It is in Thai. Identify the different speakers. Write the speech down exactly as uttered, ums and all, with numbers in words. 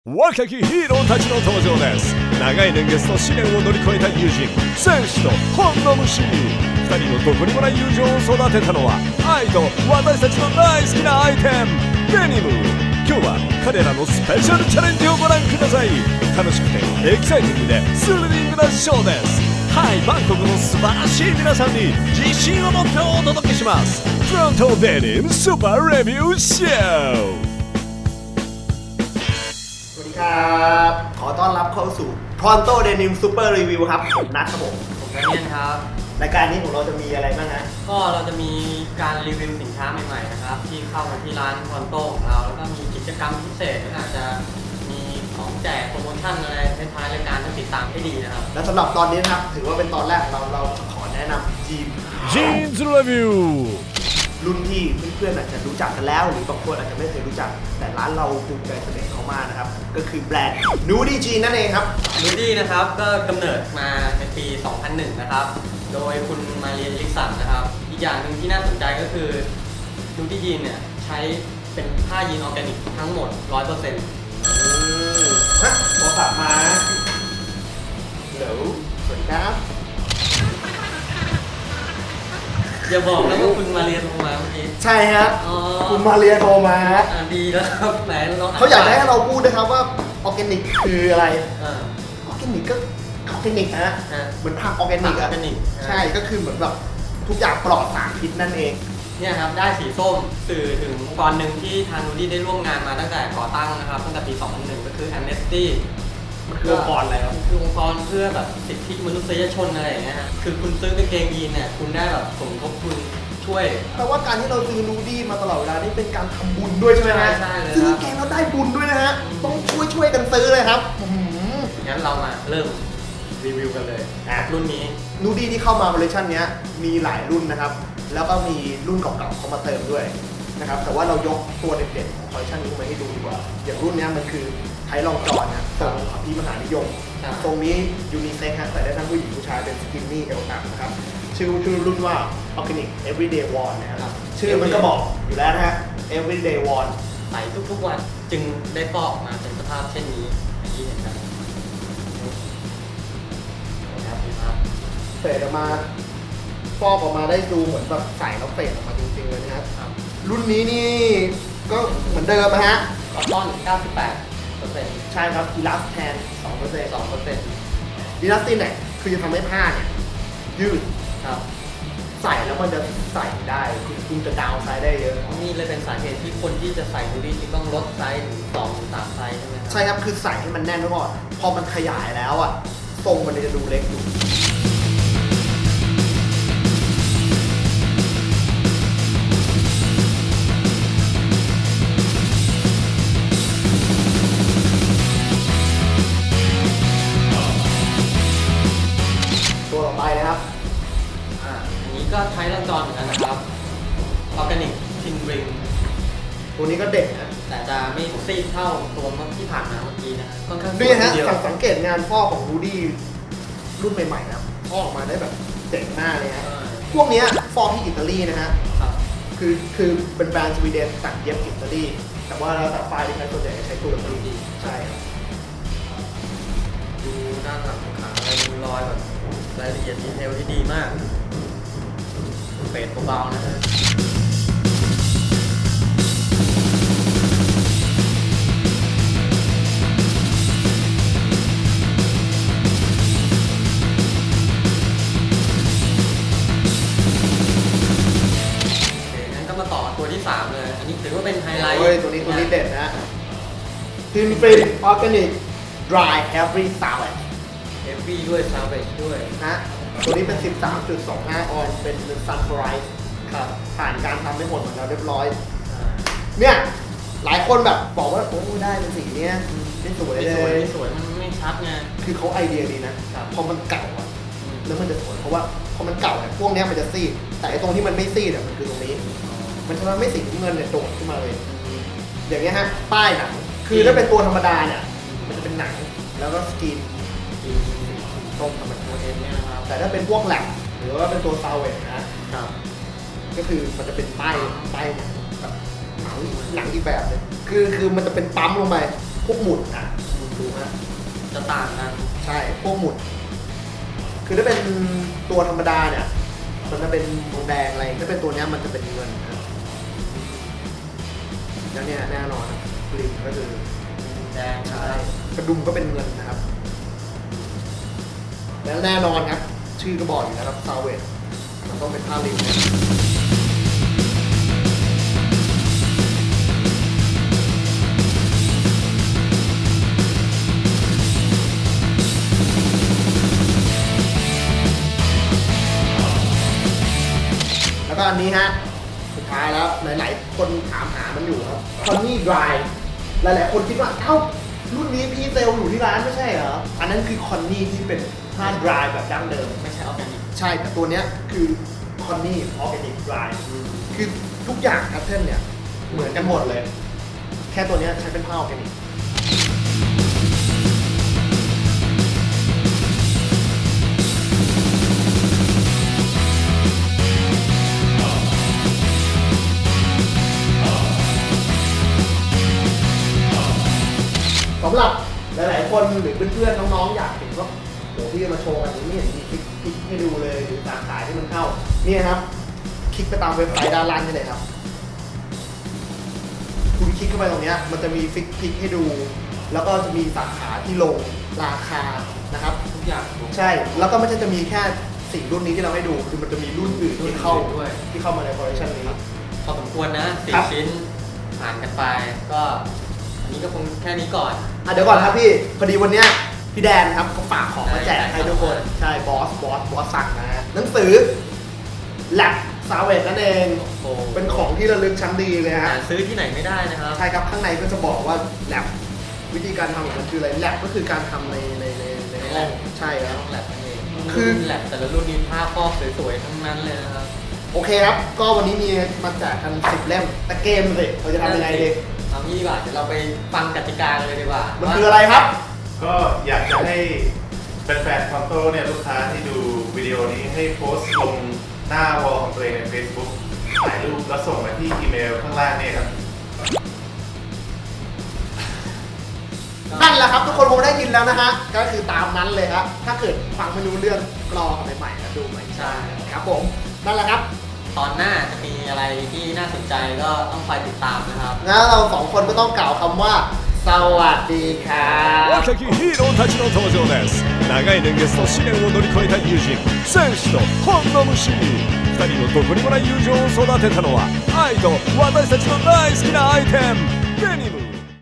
Speaker 1: 若きヒーローたちの登場です。長い年月と試練を乗り越えた友人戦士と本の虫、ふたりのどこにもない友情を育てたのは愛と私たちの大好きなアイテムデニム。今日は彼らのスペシャルチャレンジをご覧ください。楽しくてエキサイティングでスリリングなショーです。はい、バンコクの素晴らしい皆さんに自信を持ってお届けします。フロントデニムスーパーレビューショー。
Speaker 2: สวัสดีครับขอต้อนรับเข้าสู่ Pronto Denim Super Review ครับผมนัทครับผม
Speaker 3: ผมแดเนียลครับ
Speaker 2: รายการนี้ของเราจะมีอะไรบ้างนะ
Speaker 3: ก็เราจะมีการรีวิวสินค้าใหม่ๆนะครับที่เข้ามาที่ร้าน Pronto ของเราแล้วก็มีกิจกรรมพิเศษอาจจะมีของแจกโปรโมชั่นอะไรท้ายๆรายการต้องติดตามให้ดีนะครับ
Speaker 2: และสำหรับตอนนี้นะครับถือว่าเป็นตอนแรกเราเราขอแนะนำจีน
Speaker 1: Jeans Review
Speaker 2: รุ่นที่เพื่อนๆอาจจะรู้จักกันแล้วหรือบางคนอาจจะไม่เคยรู้จักแต่ร้านเราภูมิใจเสนอเขามากนะครับก็คือแบรนด์ Nudie Jeans นั่นเองครับ
Speaker 3: Nudie นะครับก็กำเนิดมาในปี สองพันหนึ่ง นะครับโดยคุณมาเรียนลิกสันนะครับอีกอย่างหนึ่งที่น่าสนใจก็คือ Nudie Jeans เนี่ยใช้เป็นผ้ายีนออร์แกนิกทั้งหมด ร้อยเปอร์เซ็นต์
Speaker 2: ฮะโทรศัพท์มาเดี๋ยวสวัสดีครับ
Speaker 3: อย่าบอกนะว่าคุณมาเรียนโทรมาเมื่อกี้
Speaker 2: ใช่ฮะคุณมาเรียนโทรมาฮะ
Speaker 3: ดีแล้วครับไหนลอง
Speaker 2: เขาอยากให้เราพูดนะครับว่าออร์แกนิกคืออะไร
Speaker 3: อ
Speaker 2: อร์แกนิกก็ออร์แกนิกนะเหมือนผักออร์แกนิกอะใช่ก็คือเหมือนแบบทุกอย่างปลอดสารพิษนั่นเอง
Speaker 3: เนี่ยครับได้สีส้มสื่อถึงองค์กรหนึ่งที่ทางนูดี้ได้ร่วมงานมาตั้งแต่ก่อตั้งนะครับตั้งแต่ปี สองพันหนึ่ง ก็คือ Amnesty
Speaker 2: มันคือองค์กรอะไรครับ
Speaker 3: คือองค์กรเพื่อแบบสิทธิมนุษยชนอะไรอย่างเงี้ยฮะคือคุณซื้อกางเกงยีนเนี่ยคุณได้แบบสมทบทุนช่วย
Speaker 2: แปลว่าการที่เราซื้อนูดี้มาตลอดเวลานี่เป็นการทำบุญด้วยใช่ไหมฮะ
Speaker 3: ใช่เลย
Speaker 2: ซื้อแกงแล้วได้บุญด้วยนะฮะต้องช่วยช่วยกันซื้อเลยครับ
Speaker 3: งั้นเรามาเริ่มรีวิวกันเลยรุ่นนี้
Speaker 2: นูดี้ที่เข้ามาคอลเลคชันนี้มีหลายรุ่นนะครับแล้วก็มีรุ่นเก่าๆเข้ามาเติมด้วยนะครับแต่ว่าเรายกตัวเด่นๆของคอลเลคชันนี้มาให้ดูดีกว่าอย่างรุ่นนี้มันคือไทลองจอนนะทรงอภิมหานิยมตรงนี้ยูนิเซ็กฮะใส่ได้ทั้งผู้หญิงผู้ชายเป็นสกินนี่เอลต่ำนะครับชื่อชื่อรุ่นว่า Organic Everyday Worn นะครับชื่อมันก็บอกอยู่แล้วนะฮะ Everyday Worn
Speaker 3: ใส่ทุกๆวันจึงได้ฟอกมาเป็นสภาพเช่นนี้อย่างที่เห็นกัน
Speaker 2: นะครับเฟดออกมาฟอกออกมาได้ดูเหมือนแบบใส่แล้วเฟดออกมาจริงๆเลยนะครับรุ่นนี้นี่ก็เหมือนเดิมนะฮะ
Speaker 3: คอตตอน เก้าสิบแปดเปอร์เซ็นต์
Speaker 2: ใช่ครับอีลาสแทน สองเปอร์เซ็นต์
Speaker 3: สองเปอร์เซ็นต์
Speaker 2: อีลาสตินเนี่ยคือจะทำให้ผ้าเนี่ยยืด
Speaker 3: ครับ
Speaker 2: ใส่แล้วมันจะใส่ได้คือคุณจะดาวไซส์ได้เยอะ
Speaker 3: นี่เลยเป็นสาเหตุที่คนที่จะใส่นูดี้จึงต้องลดไซส์ถึงสองถึงสามไซส์ใช่ไหมครับ
Speaker 2: ใช่ครับคือใส่ให้มันแน่นไว้ก่อนพอมันขยายแล้วอ่ะทรงมันจะดูเล็กอยู่ตัวต่อไปนะครับ
Speaker 3: อ่าอันนี้ก็ใช้ลังจรเหมือนกันนะครับออร์แกนิกทินริง
Speaker 2: ตัวนี้ก็เด็กนะ
Speaker 3: แต่จะไม่ซีดเท่าตัวที่ผ่านมาเมื่อกี้นะค่อนข้าง
Speaker 2: นี่ฮะสังเกตงานฟอกของรูดี้รุ่นใหม่ๆนะฟอกออกมาได้แบบเจ๋งมากเลยฮะพวกนี้ฟอกที่อิตาลีนะฮะคือคือเป็นแบรนด์สวีเดนตัดเย็บอิตาลีแต่ว่าแล้วแต่ไฟล์ที่ใช้ส่วนใหญ่ใช้ตัวรูดี้ใช่ครับ
Speaker 3: ดูด้านหลังขาอะไรดูรอยแบบรายละเอียดดีเทลที่ดีมากเฟดเบาๆนะฮะตัวที่สามเลยอันนี้ถือว่าเป็นไฮไลท์
Speaker 2: ตัวนี้ตัวนี้เด็ดนะทินฟินออร์แกนิกดรายแฮฟวี่ซาวเวจ
Speaker 3: เฮฟวี่ด้วยซาวเวจด้วย
Speaker 2: นะตัวนี้เป็น สิบสามจุดสองห้า ออนเป็นซันฟลายส์
Speaker 3: ครับ
Speaker 2: ผ่านการทำให้หมดหมดแล้วเรียบร้อยเนี่ยหลายคนแบบบอกว่าโอ้ได้เป็นสีเนี้ยไม่สวยเลย
Speaker 3: ไม่สวยมันไม่ชัดไง
Speaker 2: คือเขาไอเดียดีนะพอมันเก่าอ่ะแล้วมันจะสวยเพราะว่าพอมันเก่าเนี่ยพวกนี้มันจะซีดแต่ตรงที่มันไม่ซีดอ่ะมันคือตรงนี้มันจะไม่สีน้ำเงินเนี่ยโดดขึ้นมาเลยอย่างเงี้ยฮะป้ายหนังคือถ้าเป็นตัวธรรมดาเนี่ยมันจะเป็นหนังแล้วก็สกิน
Speaker 3: ตรงกับตัวเองเนี่ยนะครับ
Speaker 2: แต่ถ้าเป็นพวกแหลกหรือว่าเป็นตัวซาวเวจนะครับก็คือมันจะเป็นป้ายป้ายหนังแบบหนังหนังอีกแบบเลยคือคือมันจะเป็นปั๊มลงไปพวกหมุดอ่ะดูฮะ
Speaker 3: จะต่างกัน
Speaker 2: ใช่พวกหมุด คือถ้าเป็นตัวธรรมดาเนี่ยมันจะเป็นทองแดงอะไรถ้าเป็นตัวเนี้ยมันจะเป็นเงินนะแล้วเนี่ยแน่นอนกลิ่นก็คือ
Speaker 3: แดง
Speaker 2: ใช่กระดุมก็เป็นเงินนะครับ แล้วแน่นอนครับ ชื่อก็บอกอยู่นะครับซาเวตมันต้องเป็นผ้าลินนะแล้วก็อันนี้ฮะ สุดท้ายแล้วหลายๆคนถามหามันอยู่ครับคอนนี่ดรายหลายๆคนคิดว่าเอ้ารุ่นนี้พีเซลอยู่ที่ร้านไม่ใช่เหรอ อันนั้นคือคอนนี่ที่เป็นผ้าดรายแบบดั้งเดิม
Speaker 3: ไม่ใช่ออร์แกนิก
Speaker 2: ใช่แต่ตัวเนี้ยคือคอนนี่ออร์แกนิกดรายคือทุกอย่างแพทเทิร์นเนี่ย เหมือนกันหมดเลย แค่ตัวเนี้ยใช้เป็นผ้าออร์แกนิกสำหรับหลายๆคนหรือเพื่อนๆน้องๆอยากเห็นว่าโหพี่มาโชว์กันนี่เห็นมีคลิกคลิกให้ดูเลยหรือสาขาที่มันเข้านี่ครับ คลิกไปตามเว็บไซต์ด้านล่างนี่เลยครับ คุณคลิกเข้าไปตรงเนี้ยมันจะมีฟิกคลิกให้ดู แล้วก็จะมีสาขาที่ลงราคานะครับ
Speaker 3: ทุกอย่าง
Speaker 2: ใช่แล้วก็ไม่ใช่จะมีแค่สี่รุ่นนี้ที่เราให้ดูคือมันจะมีรุ่นอื่นที่เข้า
Speaker 3: ด้วย
Speaker 2: ที่เข้ามาในคอลเลคชันนี้
Speaker 3: พอสมควรนะสี่
Speaker 2: ครับ
Speaker 3: ชิ้นผ่านกันไปก็อันนี้ก็คงแค่นี้ก่อน
Speaker 2: อ่ะเดี๋ยวก่อนครับพี่พอดีวันเนี้ยพี่แดนครับเขาฝากของมาแจกให้ทุกคน ใช่บอสบอสบอสสั่งนะฮะหนังสือแลบซาเวตนั่นเอง
Speaker 3: โอ้
Speaker 2: เป็นของที่ระลึกชั้นดีเลยฮะ
Speaker 3: หาซื้อที่ไหนไม่ได้นะครับ
Speaker 2: ใช่ครับข้างในก็จะบอกว่าแลบวิธีการทำของมันคืออะไรแลบก็คือการทำในในในในห้องใช่ครับ
Speaker 3: ต้องแลบนั่นเอง
Speaker 2: คือ
Speaker 3: รุ่นแลบแต่ละรุ่นนี้ผ้าครอบสวยๆทั้งนั้นเลยนะครับ
Speaker 2: โอเคครับ ก็วันนี้มีมาแจกกันสิบเล่มแต่เกมสิเราจะทำยังไงดี
Speaker 3: เอางี้ดีกว่าเดี๋ยวเราไปฟังกติกากันเลยดีกว่า
Speaker 2: มัน
Speaker 3: ว่า
Speaker 2: คืออะไรครับ
Speaker 4: ก็อยากจะให้แฟนๆคอนโต้เนี่ยลูกค้าที่ดูวิดีโอนี้ให้โพสต์ลงหน้าวอลของตัวเองใน Facebook ถ่ายรูปแล้วส่งมาที่อีเมลข้างล่างเนี่ยครับ
Speaker 2: นั่นแหละครับทุกคนคงได้ยินแล้วนะฮะก็คือตามนั้นเลยครับถ้าเกิดฟังไม่รู้เรื่องกรอกันใหม่ๆแล้วดูใหม่
Speaker 3: ใช่
Speaker 2: ครับผมนั่นแหละครับ
Speaker 3: ตอนหน้าจะมีอะไรที่น่าสนใจก็ต้องคอยติดตามนะครับ
Speaker 2: งั้นเราสองคนก็ต้องกล่าวคำว่า สวัสดีครับ
Speaker 1: 若きヒーローたちの登場です長い年月と試練を乗り越えた友人戦士と本の虫ふたりのどこにもない友情を育てたのは愛と私たちの大好きなアイテムデニム